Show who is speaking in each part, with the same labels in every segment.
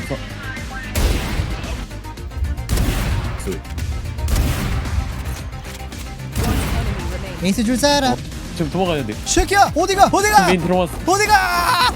Speaker 1: 있어.
Speaker 2: 에이스 줄 사람.
Speaker 1: 지금 도망가야 돼.
Speaker 2: 쉐키야 어디가 어디가
Speaker 1: 메인 들어왔어.
Speaker 2: 어디가.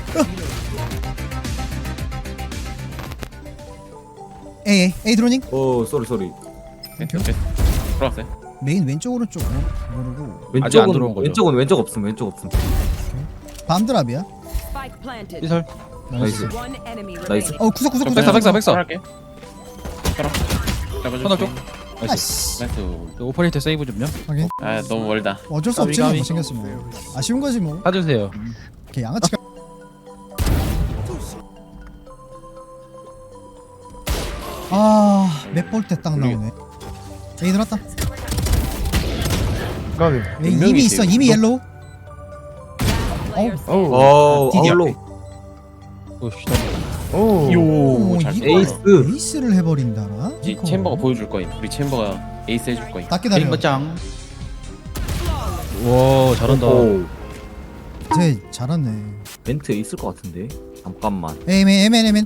Speaker 2: 에이 드로닝.
Speaker 3: 오 쏘리.
Speaker 1: 네, 들어왔어요.
Speaker 2: 메인 왼쪽 오른쪽 모르고
Speaker 4: 아직 안 들어온 거죠?
Speaker 3: 왼쪽 없음.
Speaker 2: 밤드랍이야.
Speaker 5: Spike planted.
Speaker 4: 이설.
Speaker 3: 나이스.
Speaker 5: One enemy
Speaker 3: 나이스.
Speaker 5: remaining.
Speaker 2: 구석
Speaker 4: 백사.
Speaker 1: 할게. 따라.
Speaker 4: 터널 쪽. 나이스.
Speaker 2: 아씨
Speaker 1: 나이스.
Speaker 4: 오퍼레이터 세이브 좀요.
Speaker 2: 확인.
Speaker 1: 아 너무 멀다.
Speaker 2: 어쩔 수 없지 뭐
Speaker 4: 가위.
Speaker 2: 못생겼으면 아쉬운 거지 뭐.
Speaker 4: 사주세요.
Speaker 2: 걔 양아치가. 맵볼 때 딱 나오네. 에이 들었다.
Speaker 6: 까비.
Speaker 2: 에이,
Speaker 1: 몇 명이지?
Speaker 2: 이미 있어 이미 옐로우.
Speaker 5: Player
Speaker 6: 어우.
Speaker 2: 디디야.
Speaker 3: 아울로.
Speaker 4: 오 씨.
Speaker 6: 오.
Speaker 1: 요. 잘.
Speaker 2: 이걸
Speaker 3: 에이스.
Speaker 2: 에이스를 해버린다라.
Speaker 1: 이
Speaker 2: 이거.
Speaker 1: 챔버가 보여줄 거임. 우리 챔버가 에이스 해줄 거임.
Speaker 2: 딱 기다려.
Speaker 4: 짱. 와 잘한다.
Speaker 3: 오.
Speaker 2: 쟤 잘하네.
Speaker 3: 멘트 있을 것 같은데. 잠깐만.
Speaker 2: 에이맨.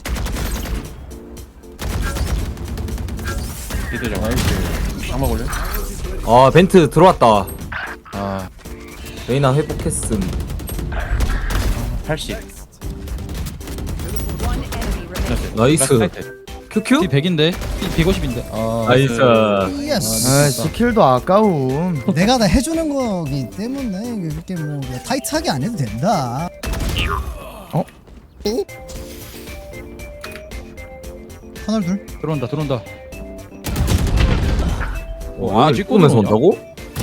Speaker 1: 미드 잡아. 장막 올려.
Speaker 3: 아 벤트 들어왔다.
Speaker 4: 아
Speaker 3: 레이나 회복했음.
Speaker 1: 80.
Speaker 5: One enemy remaining.
Speaker 3: 나이스. 큐큐?
Speaker 4: D 100인데 D 150인데. 아
Speaker 3: 나이스.
Speaker 2: 예스.
Speaker 6: 아 스킬도 아까움.
Speaker 2: 내가 다 해주는 거기 때문에 그렇게 뭐 타이트하게 안 해도 된다.
Speaker 6: 어?
Speaker 2: 터널 둘.
Speaker 4: 들어온다.
Speaker 3: 와
Speaker 4: 아,
Speaker 3: 찍고면서
Speaker 4: 찍고
Speaker 3: 온다고?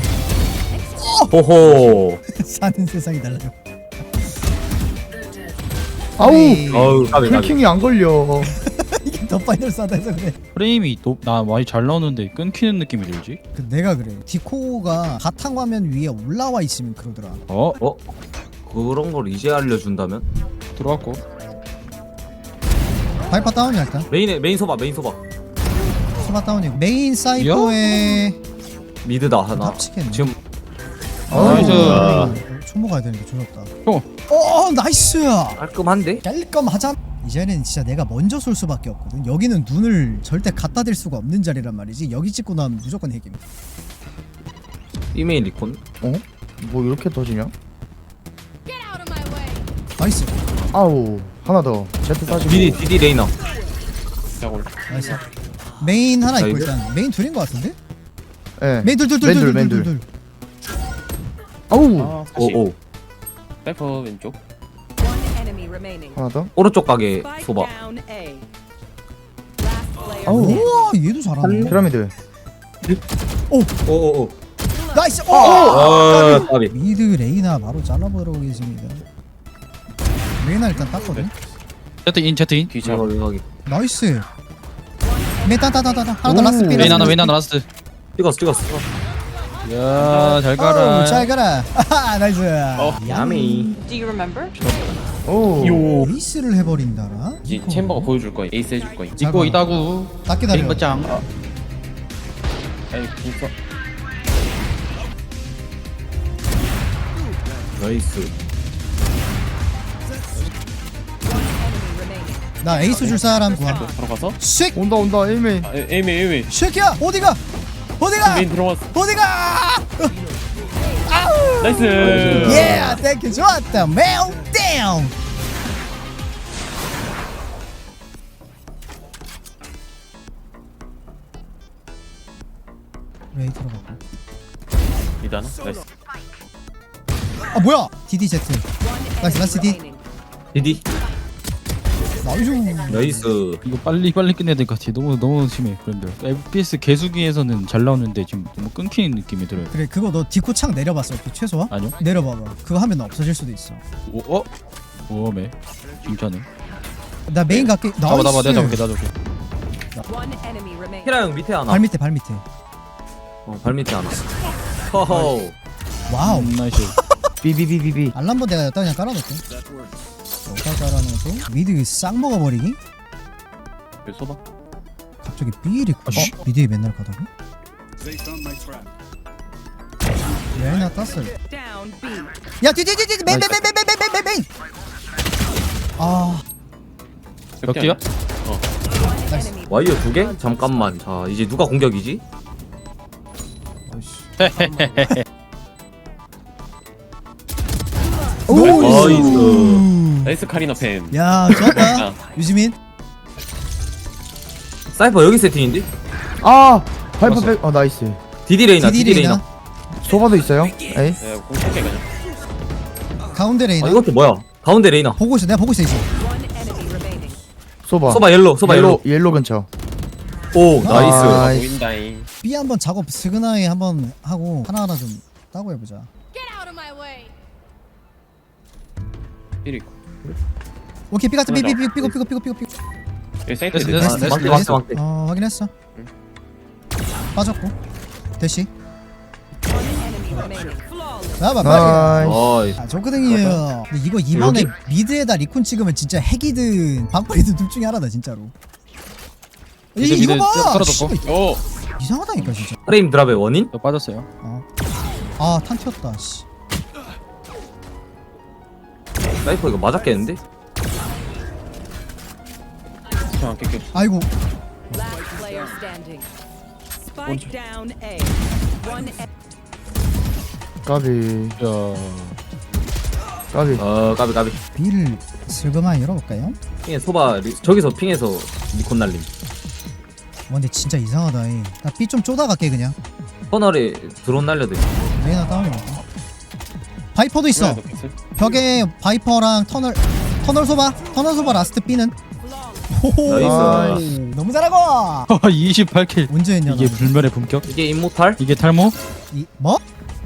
Speaker 3: 호호.
Speaker 2: 사는 세상이 달라요.
Speaker 6: 아우.
Speaker 2: 에이,
Speaker 3: 아우 까비.
Speaker 6: 킬킹이 안 걸려.
Speaker 2: 이게 더 파이널 싸다 해서 그래.
Speaker 4: 프레임이 나 많이 잘 나오는데 끊기는 느낌이 들지?
Speaker 2: 내가 그래. 디코가 바탕화면 위에 올라와 있으면 그러더라.
Speaker 4: 어
Speaker 3: 그런 걸 이제 알려준다면?
Speaker 4: 들어왔고.
Speaker 2: 바이파 다운이야 일단.
Speaker 3: 메인 소바.
Speaker 2: 소바 다운이고 메인 사이퍼에
Speaker 3: 미드다 하나.
Speaker 2: 합치겠네.
Speaker 3: 지금
Speaker 4: 나이스.
Speaker 2: 총모 가야 되는데 조졌다.
Speaker 4: 어.
Speaker 2: 나이스.
Speaker 3: 깔끔한데?
Speaker 2: 깔끔하자. 이제는 진짜 내가 먼저 쏠 수밖에 없거든. 여기는 눈을 절대 갖다 댈 수가 없는 자리란 말이지. 여기 찍고 나면 무조건 핵임.
Speaker 3: 이메일 리콘.
Speaker 6: 어? 뭐 이렇게 터지냐?
Speaker 2: 나이스.
Speaker 6: 아우. 하나 더. 제트 빠지고.
Speaker 3: 디디 레이나.
Speaker 1: 자 올려.
Speaker 2: 나이스. 메인 하나 있고
Speaker 3: 나이스.
Speaker 2: 일단 메인 둘인 것 같은데?
Speaker 6: 예.
Speaker 2: 메인
Speaker 6: 맨 둘.
Speaker 2: 둘.
Speaker 6: 아우.
Speaker 1: 아 40.
Speaker 3: 오오.
Speaker 1: 사이퍼 왼쪽.
Speaker 5: One enemy remaining.
Speaker 6: 하나 더.
Speaker 3: 오른쪽 가게
Speaker 5: Spike
Speaker 3: 소바.
Speaker 5: down A. Last player
Speaker 6: 아우.
Speaker 5: standing.
Speaker 2: 우와 얘도 잘하네.
Speaker 6: 피라미드.
Speaker 3: 오오오.
Speaker 2: 나이스.
Speaker 3: 아 까비.
Speaker 2: 미드 레이나 바로 잘라보도록 하겠습니다. 레이나 일단 땄거든.
Speaker 4: 제트인
Speaker 1: 뒤 잡아.
Speaker 3: 여기.
Speaker 2: 나이스. 메인 따다다다. 하나 더 라스트 삐.
Speaker 4: 웨인 하나 라스트.
Speaker 3: 찍었어.
Speaker 4: 야잘 가라.
Speaker 2: 잘 가라. 아하, 나이스.
Speaker 3: 야미.
Speaker 5: Do you remember?
Speaker 6: 오.
Speaker 1: 요.
Speaker 2: 에이스를 해버린다라.
Speaker 1: 이 챔버가 보여줄 거임. 에이스 해줄 거임.
Speaker 4: 있고 이다구.
Speaker 2: 딱 기다려.
Speaker 4: 짱.
Speaker 1: 아이 있어.
Speaker 3: 나이스.
Speaker 5: Enemy remaining.
Speaker 2: 나 에이스 줄 사람 구함.
Speaker 1: 들어가서.
Speaker 2: 쉑.
Speaker 6: 온다 에이메인.
Speaker 1: 아, 에이메.
Speaker 2: 쉑이야. 어디가?
Speaker 1: 메인 들어왔어.
Speaker 2: 어디가?
Speaker 1: 나이스.
Speaker 2: 예, 땡큐 좋았다. 멜다운. 레이 들어가고.
Speaker 1: 미드하나. 나이스.
Speaker 2: 아 뭐야? DD Z. 나이스 나이스 D.
Speaker 5: Remaining.
Speaker 3: 디디.
Speaker 2: 나이스.
Speaker 3: 나이스.
Speaker 4: 이거 빨리 끝내야 될 것 같아. 너무 심해. 그런데 FPS 개수기에서는 잘 나오는데 지금 너무 끊기는 느낌이 들어요.
Speaker 2: 그래 그거 너 디코 창 내려봤어? 그 최소화?
Speaker 4: 아니요?
Speaker 2: 내려봐봐. 그거 하면 없어질 수도 있어.
Speaker 4: 오메. 진짜네.
Speaker 2: 나 메인 갈게. 나이스.
Speaker 4: 내가 잡을게.
Speaker 5: One enemy remaining.
Speaker 3: 히라 형 밑에 하나.
Speaker 2: 발 밑에 발 밑에.
Speaker 3: 발 밑에 하나. 허허.
Speaker 2: 와우.
Speaker 4: 나이스.
Speaker 6: 비비비비비.
Speaker 2: 알람보 내가 여기다 그냥 깔아놓게. 여기다 깔아놓고 미드 싹 먹어버리기?
Speaker 1: 그 소바.
Speaker 2: 갑자기 삐리. 미드에 맨날 가다가? 레이나 땄어.
Speaker 5: Down B.
Speaker 2: 야 뒤뒤뒤뒤 메인. 아
Speaker 4: 몇 개야?
Speaker 1: 어.
Speaker 5: enemy.
Speaker 3: 와이어 2개? 잠깐만. 자 이제 누가 공격이지? 나이스.
Speaker 1: 나이스 카리나 팬.
Speaker 2: 야 좋았다 유지민.
Speaker 3: 사이퍼 여기 세팅인데?
Speaker 6: 아 발포 백. 나이스.
Speaker 3: 디디 레이나
Speaker 2: 디디
Speaker 3: 디디
Speaker 2: 레이나.
Speaker 3: 레이나.
Speaker 6: 소바도 있어요. 에이.
Speaker 1: 네, 공격해 그냥.
Speaker 2: 가운데 레이나.
Speaker 3: 아 이것도 뭐야? 가운데 레이나.
Speaker 2: 보고 있어. 내가 보고 있어.
Speaker 5: One enemy remaining.
Speaker 6: 소바.
Speaker 3: 소바 옐로 소바 옐로.
Speaker 6: 옐로 근처.
Speaker 3: 오
Speaker 6: 아.
Speaker 3: 나이스.
Speaker 6: 나이스.
Speaker 1: 보인다잉.
Speaker 2: B 한번 작업 스그나이 한번 하고 하나하나 좀 따고 해보자.
Speaker 1: 삐리.
Speaker 2: 오케이 B 갔다 B
Speaker 1: 하나
Speaker 2: 삐고.
Speaker 1: 여기 사이트
Speaker 4: 됐어,
Speaker 1: 내.
Speaker 4: 됐어.
Speaker 3: 막대 막대 막대.
Speaker 2: 확인했어. 빠졌고 대시.
Speaker 5: One enemy remaining. Flawless.
Speaker 2: 나봐 빨리.
Speaker 6: 나이스.
Speaker 3: 어이.
Speaker 2: 아 좋거든요. 근데 이거 이번에
Speaker 3: 여기?
Speaker 2: 미드에다 리콘 찍으면 진짜 핵이든 방풀이든 둘 중에 하나다 진짜로.
Speaker 4: 미드,
Speaker 2: 이거
Speaker 4: 미드
Speaker 2: 봐.
Speaker 4: 떨어졌고.
Speaker 2: 씨발,
Speaker 1: 오.
Speaker 2: 이상하다니까 진짜.
Speaker 3: 프레임 드랍의 원인?
Speaker 4: 또 빠졌어요.
Speaker 2: 탄 튀었다. 씨.
Speaker 3: 사이퍼 이거 맞았겠는데?
Speaker 1: 자, 깨끗.
Speaker 2: 아이고.
Speaker 5: Last player standing. Spike down A. One
Speaker 6: 까비.
Speaker 4: 야.
Speaker 6: 까비.
Speaker 3: 까비 까비.
Speaker 2: B를 슬그마이 열어볼까요?
Speaker 3: 핑에 소바 저기서 핑에서 니콘 날림.
Speaker 2: 근데 진짜 이상하다. 나 B 좀 쪼다 갈게 그냥.
Speaker 3: 터널에 드론 날려도 돼.
Speaker 2: 레이나 다운이고. 바이퍼도 있어. 벽에 바이퍼랑 터널 소바 라스트 B는. 호호.
Speaker 3: 나이스.
Speaker 2: 너무 잘하고.
Speaker 4: 28킬.
Speaker 2: 언제 했냐?
Speaker 4: 이게
Speaker 2: 너.
Speaker 4: 불멸의 본격?
Speaker 3: 이게 임모탈?
Speaker 4: 이게 탈모?
Speaker 2: 뭐?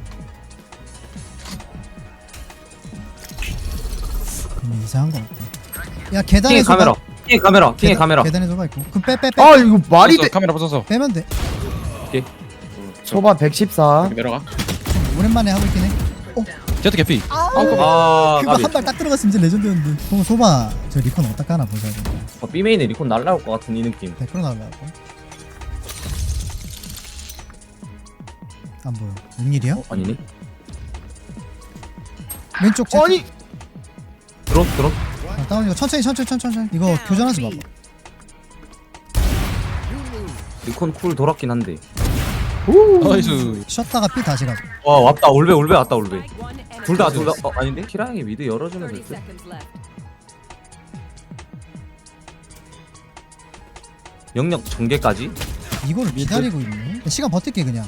Speaker 2: 이상한 거 같다. 야 계단에
Speaker 3: 핑에
Speaker 2: 소바.
Speaker 3: 카메라. 핑에 카메라. 핑에 카메라.
Speaker 2: 계단에 소바 있고. 그럼 빼.
Speaker 6: 아 이거 말이
Speaker 4: 부쉈어,
Speaker 6: 돼.
Speaker 4: 카메라 부숴서.
Speaker 2: 빼면 돼.
Speaker 6: 소바 114.
Speaker 1: 내려가.
Speaker 2: 오랜만에 하고 있긴 해.
Speaker 4: 제트 개피.
Speaker 3: 아
Speaker 2: 그거
Speaker 3: 까비.
Speaker 2: 한 발 딱 들어갔으면 진짜 레전드였는데. 그럼 소바 저 리콘 어디다 까나 보자.
Speaker 3: B메인에 리콘 날라올 것 같은 이 느낌.
Speaker 2: 100% 나올라고. 안 보여. 웬일이야?
Speaker 3: 아니네.
Speaker 2: 왼쪽 제.
Speaker 6: 아니.
Speaker 3: 드론.
Speaker 2: 다운 이거 천천히. 이거 교전하지 마.
Speaker 3: 리콘 쿨 돌았긴 한데.
Speaker 4: 나이스.
Speaker 2: 쉬었다가 B 다시 가자.
Speaker 3: 와 왔다 올베 왔다 올베.
Speaker 5: One enemy.
Speaker 3: 둘 다 아닌데? 키랑이 미드 열어주면
Speaker 5: 30
Speaker 3: 됐어.
Speaker 5: seconds left.
Speaker 3: 영역 전개까지.
Speaker 2: 이걸 기다리고 있네. 시간 버틸게 그냥.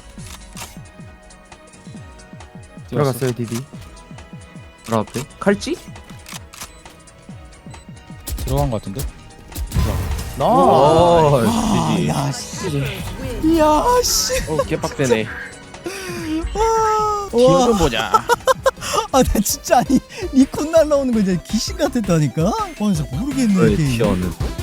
Speaker 6: 들어갔어요 디디.
Speaker 3: 바로 앞에 칼찌?
Speaker 4: 들어간 것 같은데?
Speaker 3: 오, 지지.
Speaker 2: 야 씨. 야 씨.
Speaker 1: 오, 개빡대네.
Speaker 2: 와.
Speaker 1: 기어 좀 보자.
Speaker 2: 나 진짜 아니 리콘 날라오는 거 이제 귀신 같았다니까. 진짜 모르겠네.
Speaker 3: 왜
Speaker 2: 이게.
Speaker 3: 튀어는?